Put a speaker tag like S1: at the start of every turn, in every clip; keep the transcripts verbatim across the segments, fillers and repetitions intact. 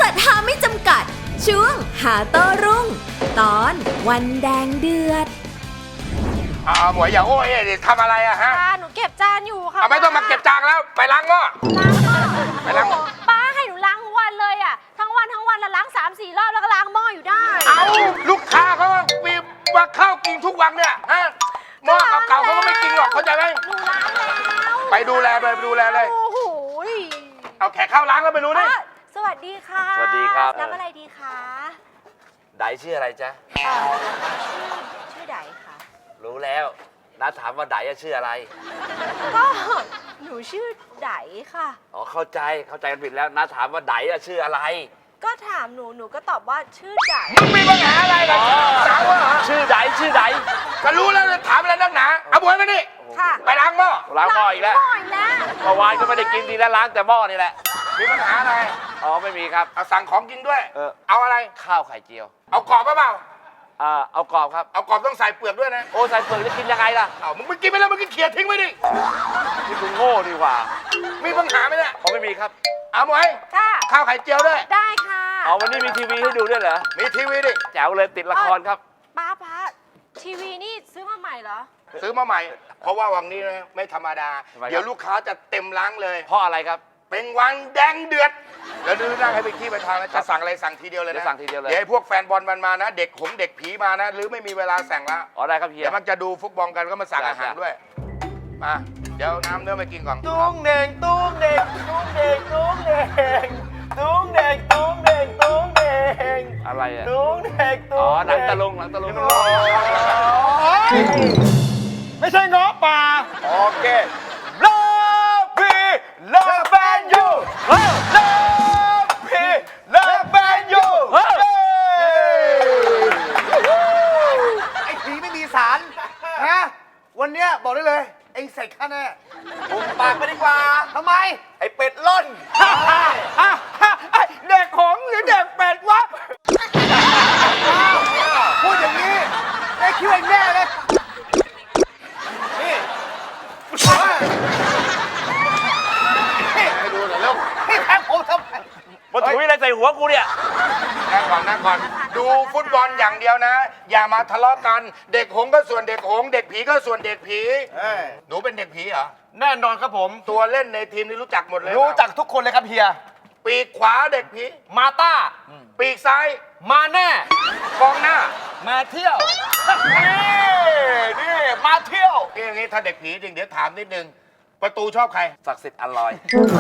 S1: ดหาไม่จำกัดช่วงหาโต้รุ่งตอนวันแดงเดือด
S2: อ่าหมวยอย่าโอ้ยดิทำอะไรอะฮะ
S3: ป้าหนูเก็บจานอยู่ค่ะ
S2: เอาไม่ต้องมาเก็บจานแล้วไปล้างหม้อ
S3: ล้างหม้อ
S2: ไปล้างหม้อ
S3: ป้าให้หนูล้างทุกวันเลยอะทั้งวันทั้งวันแล้วล้างสามสี่รอบแล้วก็ล้างหม้ออยู่ได้
S2: เอาลูกค้าเขามีมาเข้ากินทุกวันเนี่ยฮะหม้อเก่าๆเขาก็ไม่กินหรอกเข้าใจไหม
S3: หนูล้างแล้ว
S2: ไปดูแลเลยไปดูแลเลย
S3: โอ้โห
S2: เอาแขกเข้าล้างแล้วไปรู้ดิ
S3: สวัสดีค่ะ
S4: สวัสดีครับ
S3: น้ำอะไรดีคะ
S4: ไดชื่ออะไรจ๊ะ
S3: ชื่อชื่อไดค่ะ
S4: รู้แล้วน้าถามว่าไดชื่ออะไร
S3: ก็หนูชื่อไดค่ะ
S4: อ๋อเข้าใจเข้าใจกันผิดแล้วน้าถามว่าไดชื่ออะไร
S3: ก็ถามหนูหนูก็ตอบว่าชื่อได
S2: มึงมีปัญหาอะไรกันสาวเหรอ
S4: ชื่อไดชื่อได
S2: ก็รู้แล้วถามอะไรนักหนาเอาบวยมาดิไปล้างหม้อ
S4: ล้างหม้ออีกแล้วเมื่อวานก็ไม่ได้กินดีแล้วล้างแต่หม้อนี่แหละ
S2: มีปัญหาอะไร
S4: อ๋อไม่มีครับ
S2: เอาสั่งของกินด้วย
S4: เออ
S2: เอาอะไร
S4: ข้าวไข่เจียว
S2: เอากรอบเปล่า
S4: อ่าเอากรอบครับ
S2: เอากรอบต้องใส่เปลือกด้วยนะ
S4: โอ้ใส่เปลือกจะกินยังไงล่ะ
S2: เอามึงไม่กินไปแล้วมึงกินเขียดทิ้งไว้ดิ
S4: นี่คุณโง่ดีกว่า
S2: มีปัญหาไหมเนี่ย
S4: ผมไม่มีครับ
S2: เอาหมวย
S3: ค่ะ
S2: ข้าวไข่เจียวด้วย
S3: ได้ค่ะ
S4: อ๋อวันนี้มีทีวีให้ดูด้วยเหรอ
S2: มีทีวีดิ
S4: แจ๋วเลยติดละครครับ
S3: ป้าป้าทีวีนี่ซื้อมาใหม่เหรอ
S2: ซื้อมาใหม่เพราะว่าวันนี้นะไม่ธรรมดาเดี๋ยวลูกค้าจะเต็มร้านเลย
S4: เพราะอะไรครับ
S2: เป็นวันแดงเดือดแล้วดูนั่งให้ไปที่ไปทางนะจะสั่งอะไรสั่งทีเดียวเลยนะ
S4: สั่งทีเดียวเลย
S2: เดี๋ยวพวกแฟนบอลมันมานะเด็กหงเด็กผีมานะหรือไม่มีเวลาสั่งละ
S4: อ๋อได้ครับเฮีย
S2: เดี๋ยวมันจะดูฟุตบอลกันก็มาสั่งอาหารด้วยมาเดี๋ยวน้ำเนื้อมากินก่อน
S4: ตุ้งเด่งตุ้งเด่งตุ้งเด่งตุ้งเด่งตุ้งเด่งตุ้งเด่งตุ้งเด่งอะไรอ่ะตุ้งเด่งตุ้งอ๋อหนังตะลุงหนังตะลุง
S2: ไม่ใช่ง้อป่าโอเค Love me Love and you Love me Love and you
S5: ไอ้ผีไม่มีสารนะวันเนี้ยบอกได้เลยเอ็งเสร็จข้าแน่
S2: ปุบปากไปดีกว่า
S5: ทำไม
S2: ไอ้เป็ดล่นเด็กหงหรือเด็กเป็ดวะ
S5: พูดอย่างนี้ไอ้คิดว่าแน่เลยนี่ให้ดูหน่อยแล้วพี่แทงผมทำไม
S4: มันถุยอะไรใส่หัวกูเนี่ย
S2: นั่งก่อนนั่งก่อนดูฟุตบอลอย่างเดียวนะอย่ามาทะเลาะกันเด็กหงก็ส่วนเด็กหงเด็กผีก็ส่วนเด็กผีหนูเป็นเด็กผีเหรอ
S5: แน่นอนครับผม
S2: ตัวเล่นในทีมนี่รู้จักหมดเลย
S5: รู้จักทุกคนเลยครับเฮีย
S2: ปีกขวาเด็กผี
S5: มาต้า
S2: ปีกซ้าย
S5: มาแน่
S2: กองหน้า
S5: มาเที่ยวนี่นี่มาเที่ยว
S2: อย่างงี้ถ้าเด็กผีจริงเดี๋ยวถามนิดนึงประตูชอบใคร
S4: ศักดิ์สิทธิ์อร่อย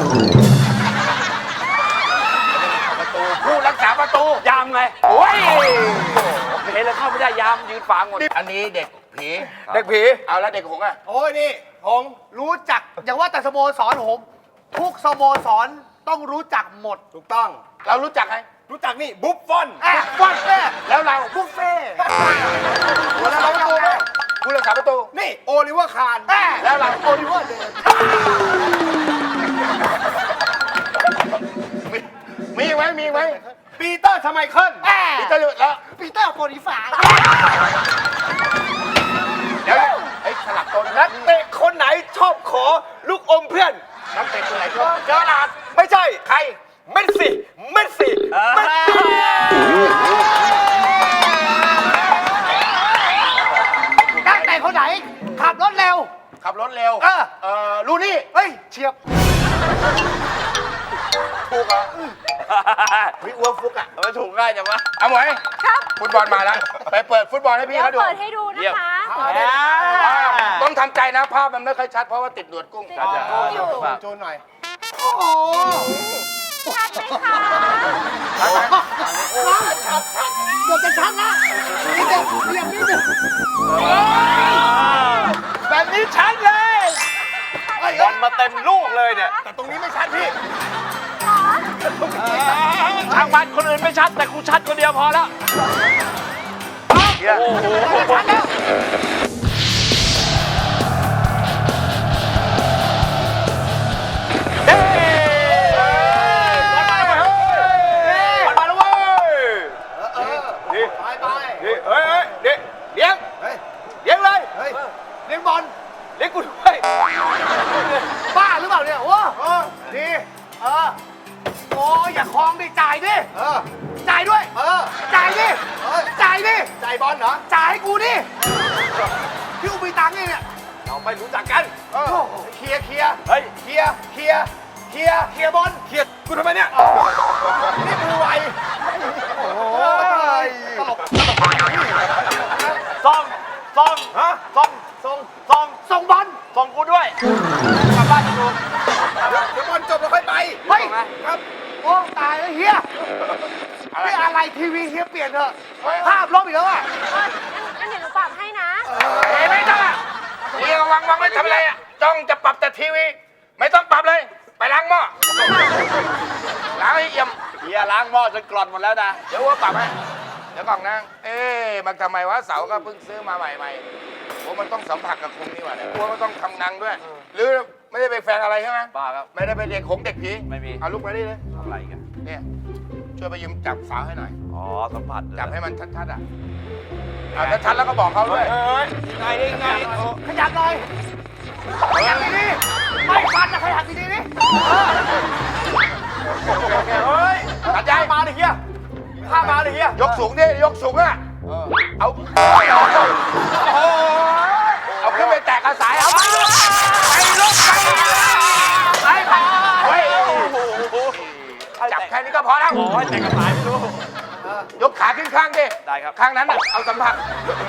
S2: ประตูผู้รักษาประตู
S4: ยามไง
S2: โอ้ย
S4: เห็นแล้วเข้าไม่ได้ยามยืนฝังหมด
S2: อันนี้เด็กผี
S5: เด็กผี
S2: เอาแล้วเด็กหงอ่ะ
S5: โอ้ยนี่หงรู้จักอย่างว่าแต่สโมสรหงทุกสโมสรต้องรู้จักหมด
S2: ถูกต้องเรารู้จักใคร
S5: รู้จักนี่บุฟฟอน
S2: บุฟฟอนแล้วเรา
S5: บุฟเฟ่
S2: ผู้รักษาประตูผู้รักษาประตู
S5: นี่โอลิเวอร์คาร์
S2: แล้วเรา
S5: โอลิเวอร์เดน
S2: มีไหมมีไหม
S5: ปีเตอร์ทำไมเคิล
S2: ปีเตอร์แล้ว
S5: ปีเตอร์โปรดิฟา
S2: เดี๋ยวไอ้สลับตัว
S5: นักเตะคนไหนชอบขอลูกอมเพื่อน
S2: นักเตะคนไหนชอบเจอหลาด
S5: ไม่ใช่
S2: ใคร
S5: เมสซี่เมสซี่เมสซี่นักเตะคนไหนขับรถเร็ว
S2: ขับรถเร็ว
S5: เออ
S2: เออลูนี่
S5: เฮ้ยเฉียบ
S2: ถูกเหรอวิวัวฟุกอ่ะ
S4: มันถูกง่ายจังวะ
S2: เอาหมวยครับฟุตบอลมาแล้วไปเปิดฟุตบอลให้พี่เขาดู
S3: เปิดให้ดูนะคะ
S2: ต้องทำใจนะภาพมันไม่ค่อยชัดเพราะว่าติดหนวดกุ้ง
S3: ติดหนวดกุ้งอยู่
S5: โจนหน่อยโอ้โห
S3: ชัดไหมคะ
S5: ชัดชัดเกือบจะชัดละนี่เด็กเรียงนิดนึง
S4: แบบนี้ชัดเลยบอลมาเต็มลูกเลยเนี่ย
S5: แต่ตรงนี้ไม่ชัดพี่
S4: ทางบ้านคนอื่นไม่ชัดแต่กูชัดคนเดียวพอแล้วโอ้โหชัดแล้วเฮ้ยบอลมาแล้วเว้ยบอลมาแล้วเว้ยนี่
S5: ไปไป
S4: นี่เฮ้ยนี่เลี้ยงเลี้ยงเลย
S5: เลี้ยงบอล
S4: เลี้ยงกูด้วย
S5: บ้าหรือเปล่าเนี่ยโอ้ดีเออโอ้ยอย่าคลองดิจ่ายดิ
S2: เออ
S5: จ่ายด้วย
S2: เออ
S5: จ่ายดิ
S2: เออ
S5: จ่ายดิ
S2: ใจบอลเหรอ
S5: จ่ายให้กูดิพี่กูมีตังค์นี่เนี่ย
S2: เราไม่รู้จักกัน
S5: โอ้โห
S2: เคลียร์เคลียร์
S5: เฮ้ย
S2: เคลียร์เคลียร์เคลียร์
S5: เคลียร์บอล
S2: เคลียร์กูทำไมเนี่ย นี่มือไว
S5: โอ้ยตลก
S4: ซ่องซ่อง
S2: ฮะ
S4: ซ่องซ่องซ่อง
S5: ส่งบอล
S4: ซ่องกูด้วยกลับบ้านกู
S2: เดี๋ยวบอลจบแล้วค่อยไป
S5: เฮ้ย
S2: ครับ
S5: โอ้ตายแล้วเฮียนี่อะไรทีวีเฮียเปลี่ยนเถอะภาพลบอีกแล้วอ่ะ
S3: เอองั้นงั้นเดี๋ยวหนูปรับให้นะ
S4: เฮ้ยไม่ต้องอ่ะเฮียวางวางไม่ทำอะไรอ่ะจ้องจะปรับแต่ทีวี ไม่ต้องปรับเลย ไปล้างหม้อล้างให้เอี่ยมเฮียล้างหม้อจนกร่อนหมดแล้วนะเดี๋ยวว่าปรับให้เดี๋ยวก่อนนะเอ๊ะมันทำไมวะเสาก็เพิ่งซื้อมาใหม่ๆโอ้มันต้องสัมผัสกับคุงนี่หว่าเนี่ยกลัวมันต้องทำนังด้วย หรือไม่ได้ไปแฟนอะไรใช่ไหมเปล่าครับไม่ได้ไปเรียนของเด็กผีไม่มีเอาลูกมาดิเลยทำอะไรกันเนี่ยช่วยไปยืมจับเสาให้หน่อยอ๋อสัมผัสจับให้มันชัดๆอ่ะเอาชัดๆแล้วก็บอกเขาด้วย
S2: ไงนี่ไง
S5: ขยับหน่อยขยับดีๆไม่ฟันนะขยับดีๆนี่
S2: เฮ้ย
S4: ตัดใจ
S2: มาเลยเฮียข้ามาเลยเฮีย
S4: ยกสูงดิยกสูงอ่ะเอาเอาขึ้นไปแตกกระสายเอาไปลูกไปไปไปเฮ้ยจับแค่นี้ก็พอแล้ว
S2: โอ้ยแต่งกระสายไม่รู้
S4: ยกขาขึ้นข้างดิ
S2: ได้ครับ
S4: ข้างนั้นน่ะเอาสัมผัส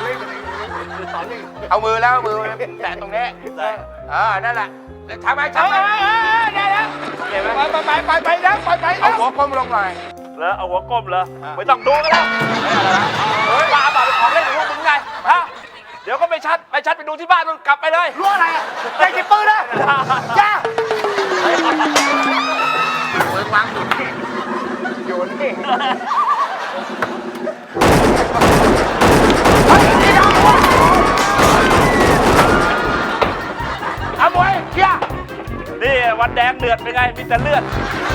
S4: เอามือแล้วมือแตะตรงนี้
S2: ได้
S4: เออนั่นแหละทำไมทำไม
S2: ได้แล้ว
S4: เห็นไหม
S2: ไปไปไปไปแล้วไปไป
S4: เอา
S2: แล้ว
S4: หัวก้มลงหน่อย
S2: แล้วเอาหัวก้มเหรอไม่ต้องดูกันแล้วเฮ้ยมาแบบของเล่นของพวกมึงไงฮะเดี๋ยวก็ไปชัดไปชัดไปดูที่บ้านนู่นกลับไปเลย
S5: รู้อะไรอ่ะใจจิบปืนนะจ้า
S4: เปิดวางอยู่นี่อยู่นี่
S2: เอามวยเฮียนี่วันแดงเดือดเป็นไงมีแต่เลือด